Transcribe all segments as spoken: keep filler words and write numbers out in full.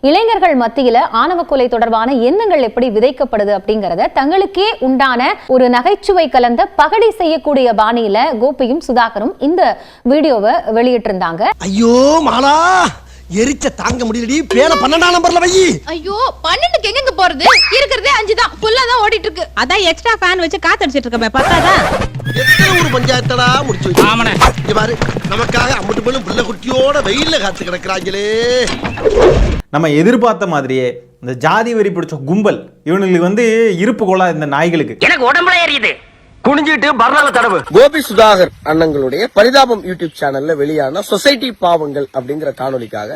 இளைஞர்கள் மத்தியில ஆணவ கொலை தொடர்பான எண்ணங்கள் எப்படி விதைக்கப்படுது அப்படிங்கறத தங்களுக்கே உண்டான ஒரு நகைச்சுவை கலந்த பகடி செய்யக்கூடிய பாணியில கோபியும் சுதாகரும் இந்த வீடியோவை வெளியிட்டிருந்தாங்க. ஐயோ மாலா எரிச்ச தாங்க முடியலடி, பேர பன்னெண்டாம் நம்பர்ல வை. ஐயோ பன்னெண்டுக்கு எங்க போறது, இருக்கிறதே அஞ்சு தான், புல்லா தான் ஓடிட்டு இருக்கு. அதான் எக்ஸ்ட்ரா ஃபேன் வச்சு காத்தடிச்சிட்டு இருக்கமே, பத்தாதா? எத்தனை ஒரு பஞ்சாயத்தடா முடிச்சு வச்சு. ஆமாண்ணே. இங்க பாரு, நமக்காக அம்பட்டு பேரும் புள்ள குட்டியோட வெயில்ல காத்து கிடக்குறாங்களே. நம்ம எதிர்பார்த்த மாதிரியே இந்த ஜாதி வெறி பிடிச்ச கும்பல் இவனுங்களுக்கு வந்து இருப்பு கொள்ளா இந்த நாய்களுக்கு எனக்கு உடம்புல ஏறியுது. குனிஞ்சிட்டு பர்னால தடவு. கோபி சுதாகர் அண்ணங்களுடைய பரிதாபம் யூடியூப் சேனல்ல வெளியான சொசைட்டி பாவங்கள் அப்படிங்கிற காணொலிக்காக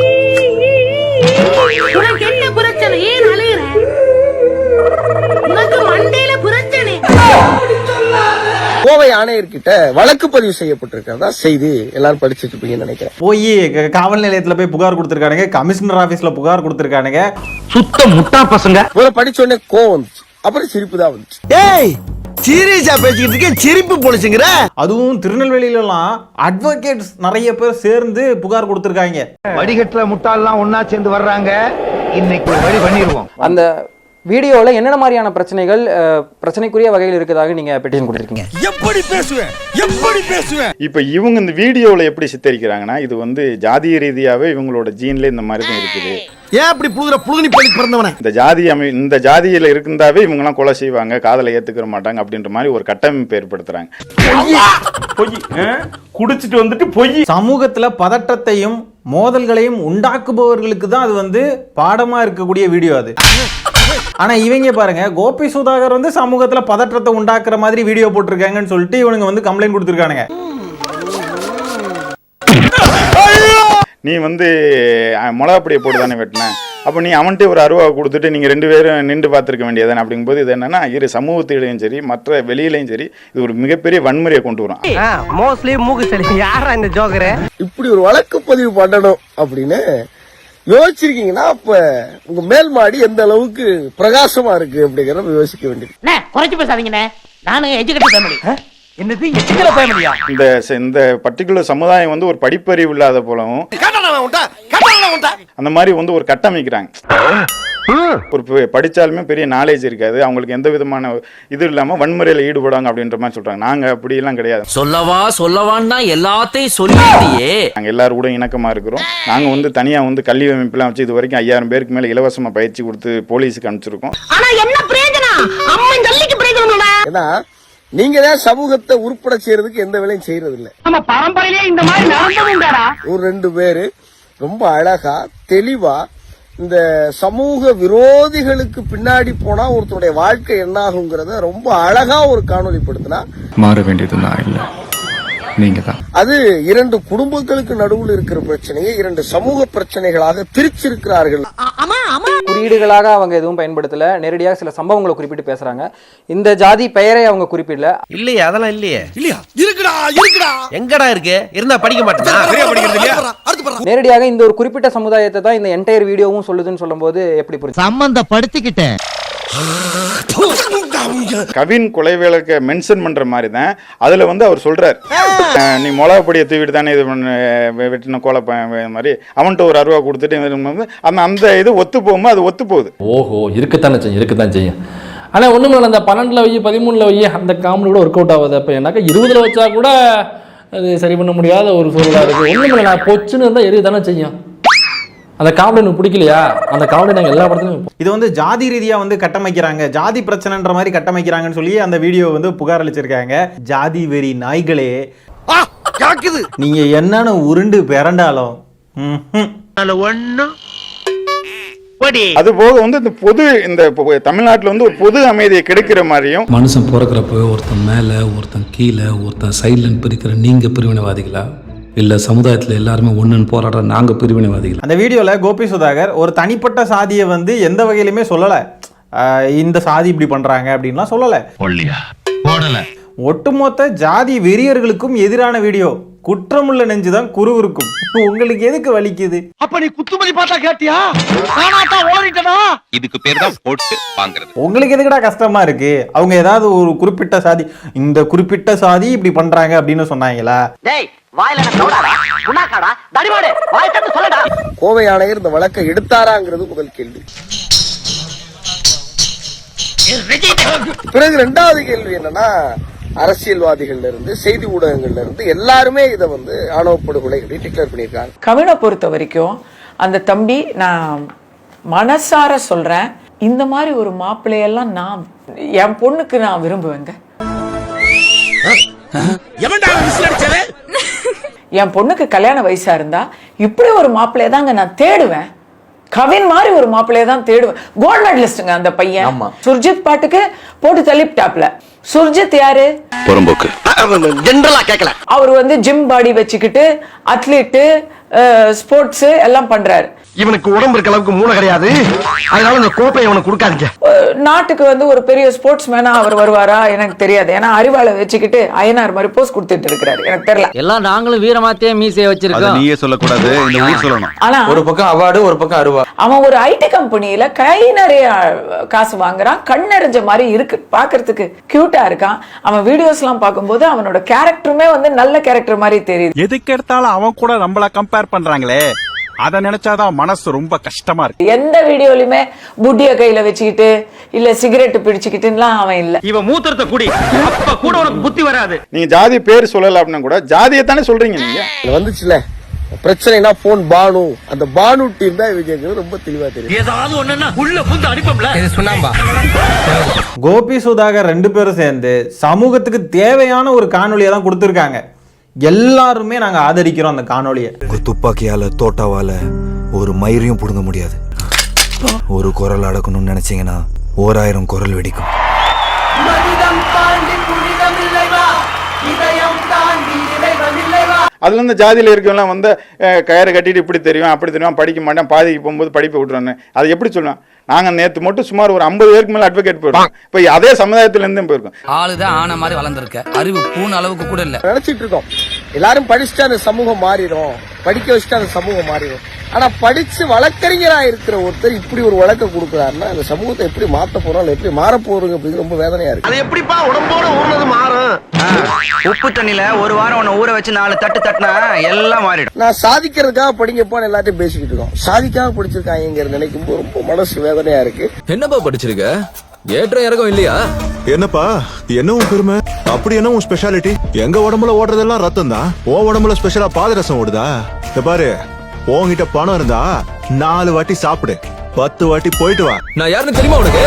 உனக்கு என்ன பிரச்சனை, ஏன் அலையுற? உனக்கு மண்டையில பிரச்சனை. கோவை ஆணையர்கிட்ட வழக்கு பதிவு செய்யப்பட்டிருக்கிறதா செய்தி எல்லாரும் படிச்சுட்டு இருப்பீங்கன்னு நினைக்கிறேன். போய் காவல் நிலையத்துல போய் புகார் கொடுத்திருக்கானுங்க, கமிஷனர் ஆபீஸ்ல புகார் கொடுத்திருக்கானுங்க. சுத்த முட்டா பசங்க. படிச்சோடனே கோவம் வந்துச்சு, அப்புறம் சிரிப்பு தான் வந்துச்சு. ஏய் சீரியஸா பேசிக்கிட்டு இருக்கேன், சிரிப்பு போலீஸுங்கிற. அதுவும் திருநெல்வேலியில எல்லாம் அட்வொகேட்ஸ் நிறைய பேர் சேர்ந்து புகார் கொடுத்திருக்காங்க. வடிகட்டுல முட்டாள்லாம் ஒன்னா சேர்ந்து வர்றாங்க, இன்னைக்கு ஒரு வழி பண்ணிடுவோம். அந்த வீடியோவில் என்னென்ன மாதிரியான பிரச்சனைகள் பிரச்சனைக்குரிய வகையில் இருக்கிறதாக நீங்க பெட்டிஷன் கொடுத்துருக்கீங்க? எப்படி பேசுவேன் எப்படி பேசுவேன் இப்போ இவங்க இந்த வீடியோவில் எப்படி சித்தரிக்கிறாங்கன்னா, இது வந்து ஜாதிய ரீதியாகவே இவங்களோட ஜீன்ல இந்த மாதிரி தான் இருக்குது. ஏன் அப்படி புழுதுற புழுதுனி பண்ணி பிறந்தவனே? இந்த ஜாதி அமை இந்த ஜாதியில் இருந்தாவே இவங்கெல்லாம் கொலை செய்வாங்க, காதலை ஏற்றுக்கிற மாட்டாங்க அப்படின்ற மாதிரி ஒரு கட்டமைப்பு ஏற்படுத்துறாங்க. பொய் குடிச்சிட்டு வந்துட்டு பொய். சமூகத்துல பதட்டத்தையும் மோதல்களையும் உண்டாக்குபவர்களுக்கு தான் அது வந்து பாடமா இருக்கக்கூடிய வீடியோ அது. ஆனா இவங்க பாருங்க, கோபி சுதாகர் வந்து சமூகத்துல பதற்றத்தை உண்டாக்குற மாதிரி வீடியோ போட்டிருக்காங்கன்னு சொல்லிட்டு இவனுங்க வந்து கம்ப்ளைண்ட் கொடுத்திருக்கானுங்க. நீ வந்து மிளகாப்பொடியை போட்டு தானே வெட்டின, அப்போ நீ அவன்கிட்ட ஒரு அருவா கொடுத்துட்டு நீங்கள் ரெண்டு பேரும் நின்று பார்த்துருக்க வேண்டியதானே அப்படிங்கும்போது இது என்னன்னா, இரு சமூகத்திலையும் சரி மற்ற வெளியிலையும் சரி இது ஒரு மிகப்பெரிய வன்முறையை கொண்டு வரும். மோஸ்ட்லி மூக்கு சளி. யாரா இந்த ஜோக்கரு? இப்படி ஒரு வழக்கு பதிவு பண்ணணும் அப்படின்னு யோசிச்சிருக்கீங்கன்னா அப்ப உங்க மேல் மாடி எந்த அளவுக்கு பிரகாசமா இருக்கு அப்படிங்கறத யோசிக்க வேண்டியது. குறைச்சு பேசாதீங்கண்ணே, நானும் எஜுகேட்டட் ஃபேமிலி. என்னது எஜுகேட்டட் ஃபேமிலியா? இந்த இந்த பர்டிகுலர் சமுதாயம் வந்து ஒரு படிப்பறிவு இல்லாத போலவும் அந்த மாதிரி வந்து ஒரு கட்டமைக்கிறாங்க. ஒரு படிச்சாலுமே பெரிய நாலேஜ் இருக்காது, அவங்களுக்கு எந்த விதமான இது இல்லாம வன்முறையில ஈடுபடுவாங்க அப்படின்ற மாதிரி சொல்றாங்க. நாங்க அப்படி எல்லாம் கிடையாது. சொல்லவா சொல்லவான்னா எல்லாத்தையும் சொல்லியே நாங்க எல்லாரும் கூட இணக்கமா இருக்கிறோம். நாங்க வந்து தனியா வந்து கல்வி அமைப்புலாம் வச்சு இது வரைக்கும் ஐயாயிரம் பேருக்கு மேல இலவசமா பயிற்சி கொடுத்து போலீஸுக்கு அனுப்பிச்சிருக்கோம். ஆனா என்ன பிரயோஜனம்? அம்மன் ஜல்லிக்கு பிரயோஜனம். ஏன்னா நீங்க தான் சமூகத்தை உருப்பட செய்யறதுக்கு எந்த வேலையும் செய்யறது இல்ல. நம்ம பரம்பரையிலே இந்த மாதிரி நடந்துட்டாரா? ஒரு ரெண்டு பேரு ரொம்ப அழகா தெளிவா இந்த சமூக விரோதிகளுக்கு பின்னாடி போனா ஒருத்தருடைய வாழ்க்கை என்ன ஆகுங்கிறத ரொம்ப அழகா ஒரு காணொலி படுத்தினா மாற வேண்டியது நான் இல்ல, நீங்க தான். அது இரண்டு குடும்பங்களுக்கு நடுவில் இருக்கிற பிரச்சனையை இரண்டு சமூக பிரச்சனைகளாக பிரிச்சிருக்கிறார்கள். குறியீடுகளாக அவங்க எதுவும் பயன்படுத்தல, நேரடியாக சில சம்பவங்களை குறிப்பிட்டு பேசுறாங்க. இந்த ஜாதி பெயரை அவங்க குறிப்பிடல. இல்லையே, அதெல்லாம் இல்லையே. இல்லையா? இருக்குடா இருக்குடா. எங்கடா இருக்கு? இருந்தா படிக்க மாட்டேனா? சரியா படிக்கிறது இல்லையா? நேரடியாக இந்த ஒரு குறிப்பிட்ட சமுதாயத்தை தான் இந்த என்டையர் வீடியோவும் சொல்லுதுன்னு சொல்லும்போது எப்படி புரியுது? சம்பந்தப்படுத்திக்கிட்டேன். கவின் கொலை வழக்க மென்ஷன் பண்ற மாதிரி தான் அதுல வந்து அவர் சொல்றாரு, நீ மிளகாப்பொடியை தூவிட்டு தானே இது வெட்டின கோலை மாதிரி அவன்கிட்ட ஒரு அருவா கொடுத்துட்டு அந்த அந்த இது ஒத்து போகும்போது அது ஒத்து போகுது. ஓஹோ, இருக்கத்தானே செய்யும் இருக்கத்தான் செய்யும். ஆனால் ஒன்றும் இல்லை, அந்த பன்னெண்டில் வை பதிமூணில் வை அந்த காமெடி கூட ஒர்க் அவுட் ஆகுது. அப்போ ஏன்னாக்கா இருபதுல வச்சா கூட அது சரி பண்ண முடியாத ஒரு சூழலாக இருக்குது. ஒன்றும் இல்லை, நான் பொச்சுன்னு இருந்தால் எரிய தானே செய்யும். அந்த காமெடி எனக்கு பிடிக்கலையா, அந்த காமெடி நாங்கள் எல்லா படத்துலையும் இது வந்து ஜாதி ரீதியா வந்து கட்டமைக்கிறாங்க, ஜாதி பிரச்சனைன்ற மாதிரி கட்டமைக்கிறாங்கன்னு சொல்லி அந்த வீடியோ வந்து புகார் அளிச்சிருக்காங்க. ஜாதி வெறி நாய்களே, நீங்க என்னன்னு உருண்டு பிறண்டாலும் அது போக வந்து இந்த பொது இந்த தமிழ்நாட்டில் வந்து ஒரு பொது அமைதியை கெடுக்கிற மாதிரியும், மனுஷன் பிறக்கிறப்ப ஒருத்தன் மேல ஒருத்தன் கீழே ஒருத்தன் சைட்லன்னு பிரிக்கிற நீங்க பிரிவினைவாதிகளா, இல்ல சமுதாயத்துல எல்லாருமே ஒண்ணுன்னு போராடுற நாங்க பிரிவினைவாதிகள்? அந்த வீடியோல கோபி சுதாகர் ஒரு தனிப்பட்ட சாதியை வந்து எந்த வகையிலுமே சொல்லல, இந்த சாதி இப்படி பண்றாங்க அப்படின்லாம் சொல்லல. ஒட்டுமொத்த ஜாதி வெறியர்களுக்கும் எதிரான வீடியோ. குற்றமுள்ள நெஞ்சுதான் குருவிருக்கும். உங்களுக்கு எதுக்கு வலிக்குது? அப்ப நீ குத்துமதி பார்த்தா கேட்டியா? இதுக்கு பேர் தான் போட்டு வாங்குறது. உங்களுக்கு எதுக்குடா கஷ்டமா இருக்கு? அவங்க ஏதாவது ஒரு குறிப்பிட்ட சாதி, இந்த குறிப்பிட்ட சாதி இப்படி பண்றாங்க அப்படின்னு சொன்னாங்களா? டேய் வாயில சோடாடா குணாக்காடா தடிமாடு வாய் தட்டு சொல்லடா. கோவை ஆணையர் இந்த வழக்கை எடுத்தாராங்கிறது முதல் கேள்வி. பிறகு இரண்டாவது கேள்வி என்னன்னா, அரசியல்வாதிகள்ல இருந்து செய்தி ஊடகங்கள்ல இருந்து எல்லாருமே இதை வந்து ஆணவ படுகொலை டிக்ளேர் பண்ணியிருக்காங்க. கவினை பொறுத்த வரைக்கும் அந்த தம்பி, நான் மனசார சொல்றேன், இந்த மாதிரி ஒரு மாப்பிள்ளையெல்லாம் நான் என் பொண்ணுக்கு நான் விரும்புவேங்க. என் பொண்ணுக்கு கல்யாண வயசா இருந்தா இப்படி ஒரு மாப்பிள்ளைய தாங்க நான் தேடுவேன். கவின் மாதிரி ஒரு மாப்பிள்ளைய தான் தேடுவேன். கோல்ட் மெடலிஸ்ட்ங்க அந்த பையன். சுர்ஜித் பாட்டுக்கு போட்டு தள்ளிப்டாப்ல. சுர்ஜித் யாரு? புறம்போக்கு. ஜெனரலா கேட்கல. அவர் வந்து ஜிம் பாடி வச்சுக்கிட்டு அத்லீட்டு, ஸ்போர்ட்ஸ் எல்லாம் பண்றாரு. இவனுக்கு உடம்பு இருக்க அளவுக்கு மூளை கிடையாது, அதனால இந்த கோப்பையை இவனுக்கு கொடுக்காதீங்க. நாட்டுக்கு வந்து ஒரு பெரிய ஸ்போர்ட்ஸ் மேனா அவர் வருவாரா எனக்கு தெரியாது. ஏன்னா அறிவாளை வச்சுக்கிட்டு அயனார் மாதிரி போஸ்ட் கொடுத்துட்டு இருக்கிறாரு, எனக்கு தெரியல. எல்லாம் நாங்களும் வீரமாத்தே மீசையை வச்சிருக்கோம். நீயே சொல்லக்கூடாது, இந்த ஊர் சொல்லணும். ஆனா ஒரு பக்கம் அவார்டு, ஒரு பக்கம் அருவா. அவன் ஒரு ஐடி கம்பெனியில கை நிறைய காசு வாங்குறான். கண் நிறைஞ்ச மாதிரி இருக்கு, பாக்குறதுக்கு கியூட்டா இருக்கான். அவன் வீடியோஸ் எல்லாம் பார்க்கும்போது அவனோட கேரக்டருமே வந்து நல்ல கேரக்டர் மாதிரி தெரியுது. எதுக்கு எடுத்தாலும் அவன் கூட நம்மள கம்பேர் பண்றாங்களே, அத நினைச்சாதான் மனசு ரொம்ப கஷ்டமா இருக்கு. எந்த வீடியோலயுமே புட்டிய கையில வச்சுக்கிட்டு இல்ல சிகரெட் பிடிச்சுக்கிட்டுலாம் அவன் இல்ல. இவன் மூத்திரத்தை குடி, அப்ப கூட உனக்கு புத்தி வராது. நீங்க ஜாதி பேர் சொல்லல அப்படின்னா கூட ஜாதியை தானே சொல்றீங்க நீங்க. வந்துச்சுல பிரச்சனைனா போன் பானு, அந்த பானு டீம் தான் இவங்க ரொம்ப தெளிவா தெரியும். ஏதாவது ஒண்ணுன்னா உள்ள புந்து அடிப்போம்ல. இது சொன்னாம்பா. கோபி சுதாகர் ரெண்டு பேரும் சேர்ந்து சமூகத்துக்கு தேவையான ஒரு காணொலியை தான் கொடுத்துருக்காங்க. எல்லாருமே நாங்க ஆதரிக்கிறோம் அந்த காணொலியை. துப்பாக்கியால தோட்டாவால ஒரு மயிரையும் புடுங்க முடியாது. ஒரு குரல் அடக்கணும்னு நினைச்சீங்கன்னா ஓராயிரம் குரல் வெடிக்கும். அதுல இருந்து ஜாதியில இருக்கவங்க வந்து கயிறு கட்டிட்டு இப்படி தெரியும் அப்படி தெரியும், படிக்க மாட்டேன், பாதிக்கு போகும்போது படிப்பை விட்டுறான்னு அது எப்படி சொல்லுவேன்? நாங்க நேத்து மட்டும் சுமார் ஒரு ஐம்பது பேருக்கு மேல அட்வொகேட் போயிருக்கோம். இப்ப அதே சமுதாயத்துல இருந்து போயிருக்கோம். ஆளுதான் ஆன மாதிரி வளர்ந்துருக்க, அறிவு பூன அளவுக்கு கூட இல்ல. நினைச்சிட்டு இருக்கோம் எல்லாரும் படிச்சுட்டு அந்த சமூகம் மாறிடும், படிக்க வச்சுட்டு அந்த சமூகம் மாறிடும். ஆனா படிச்சு வழக்கறிஞரா இருக்கிற ஒருத்தர் இப்படி ஒரு வழக்க கொடுக்குறாருன்னா அந்த சமூகத்தை எப்படி மாத்த போறோம், எப்படி மாற போறோங்க அப்படிங்கிறது ரொம்ப வேதனையா இருக்கு. அது எப்படிப்பா உடம்போட ஊர்னது மாறும்? உப்பு தண்ணில ஒரு வாரம் உன்னை ஊற வச்சு நாலு தட்டு தட்டினா எல்லாம் மாறிடும். நான் சாதிக்கிறதுக்காக படிங்கப்பான்னு எல்லாத்தையும் பேசிக்கிட்டு இருக்கோம். சாதிக்காக படிச்சிருக்காங்க நினைக்கும் போது ரொம்ப மனசு வேதனையா இருக்கு. என்னப்பா படிச்சிருக்க? ஏற்ற இறக்கம் இல்லையா? என்னப்பா என்ன உன் பெருமை? அப்படி என்ன உன் ஸ்பெஷாலிட்டி? எங்க உடம்புல ஓடுறதெல்லாம் ரத்தம் தான், உன் உடம்புல ஸ்பெஷலா பாதரசம் ஓடுதா? இந்த பாரு, உன்கிட்ட பணம் இருந்தா நாலு வாட்டி சாப்பிடு, பத்து வாட்டி போயிட்டு வா. நான் யாருன்னு தெரியுமா உனக்கு?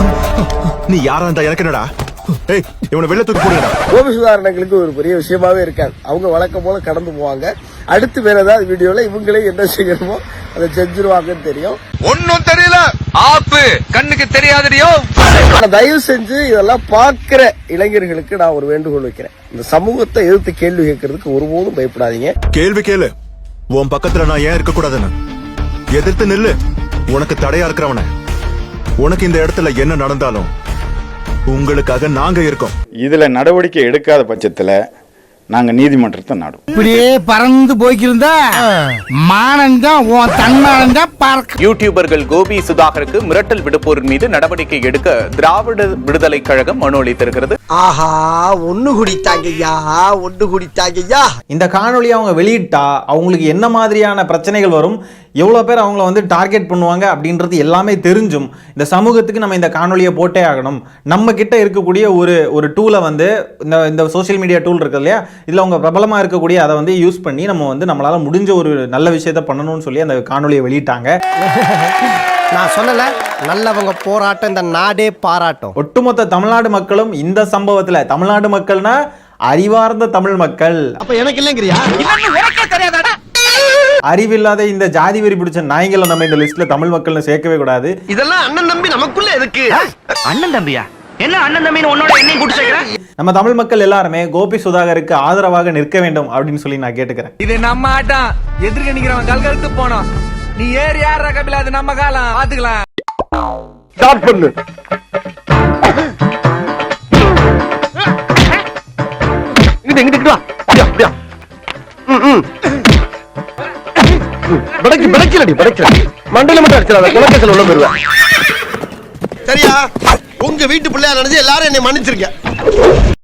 நீ யாரா இருந்தா எனக்கு என்னடா? ஏய், இவனை வெளில தூக்கி போடுங்கடா. கோபி சுதாரணங்களுக்கு ஒரு பெரிய விஷயமாவே இருக்காது. அவங்க வழக்கம் போல கடந்து போவாங்க. அடுத்து வேற ஏதாவது வீடியோல இவங்களே என்ன செய்யணுமோ அதை செஞ்சிருவாங்கன்னு தெரியும். ஒன்னும் தெரியல, ஆப்பு கண்ணுக்கு தெரியாதடியோ. தயவு செஞ்சு இதெல்லாம் பாக்குற இளைஞர்களுக்கு நான் ஒரு வேண்டுகோள் வைக்கிறேன். இந்த சமூகத்தை எதிர்த்து கேள்வி கேட்கறதுக்கு ஒருபோதும் பயப்படாதீங்க. கேள்வி கேளு, உன் பக்கத்துல நான் ஏன் இருக்க கூடாதுன்னு எதிர்த்து நில்லு. உனக்கு தடையா இருக்கிறவன, உனக்கு இந்த இடத்துல என்ன நடந்தாலும் உங்களுக்காக நாங்க இருக்கோம். இதுல நடவடிக்கை எடுக்காத பட்சத்துல நாங்க நீதிமன்றத்தை நாடும். இப்படியே பறந்து போய்க்கிருந்தா மானந்தான் உன் தன்மானந்தான் பார்க்க. யூடியூபர்கள் கோபி சுதாகருக்கு மிரட்டல் விடுப்போர் மீது நடவடிக்கை எடுக்க திராவிட விடுதலை கழகம் மனு அளித்திருக்கிறது. ஆஹா, ஒண்ணு குடித்தாங்கய்யா, ஒண்ணு குடித்தாங்கய்யா. இந்த காணொலியை அவங்க வெளியிட்டா அவங்களுக்கு என்ன மாதிரியான பிரச்சனைகள் வரும், எவ்வளோ பேர் அவங்கள வந்து டார்கெட் பண்ணுவாங்க அப்படின்றது எல்லாமே தெரிஞ்சும் இந்த சமூகத்துக்கு நம்ம இந்த காணொலியை போட்டே ஆகணும். நம்ம கிட்ட இருக்கக்கூடிய ஒரு ஒரு டூலை வந்து இந்த இந்த சோஷியல் மீடியா டூல் இருக்கு இல்லையா, இதில் அவங்க பிரபலமாக இருக்கக்கூடிய அதை வந்து யூஸ் பண்ணி நம்ம வந்து நம்மளால் முடிஞ்ச ஒரு நல்ல விஷயத்த பண்ணணும்னு சொல்லி அந்த காணொலியை வெளியிட்டாங்க. நான் சொல்லல, நல்லவங்க போராட்டம் இந்த நாடே பாராட்டும். ஒட்டுமொத்த தமிழ்நாடு மக்களும் இந்த சம்பவத்தில், தமிழ்நாடு மக்கள்னா அறிவார்ந்த தமிழ் மக்கள், அப்ப எனக்கு இல்லைங்கிறியா? தெரியாதாடா? அறிவில்லாத இந்த ஜாதி வெறி பிடிச்ச நாய்களை நம்ம இந்த லிஸ்ட்ல தமிழ் மக்கள்னு சேர்க்கவே கூடாது. இதெல்லாம் அண்ணன் தம்பி நமக்குள்ள எதுக்கு? அண்ணன் தம்பியா? என்ன அண்ணன் தம்பின்னு உன்னோட என்னையும் கூட்டி சேர்க்கிறேன்? நம்ம தமிழ் மக்கள் எல்லாருமே கோபி சுதாகருக்கு ஆதரவாக நிற்க வேண்டும் அப்படின்னு சொல்லி நான் கேட்டுக்கிறேன். இது நம்ம ஆட்டம், எதிர்க்க நிக்கிறவன் கல்கழுத்து போனோம். நீ ஏறி யார் ரகபில, அது நம்ம காலம், பாத்துக்கலாம். ஸ்டார்ட் பண்ணு. இங்கிட்டு இங்கிட்டு வா. அப்படியா அப்படியா. ம் ம். படக்கி படக்கிலடி படக்கில. மண்டையில மட்டும் அடிச்சறாத, குலக்கேசல் உள்ள போடுவேன். சரியா? உங்க வீட்டு பிள்ளையா நினைச்சு எல்லாரும் என்னை மன்னிச்சிருக்க.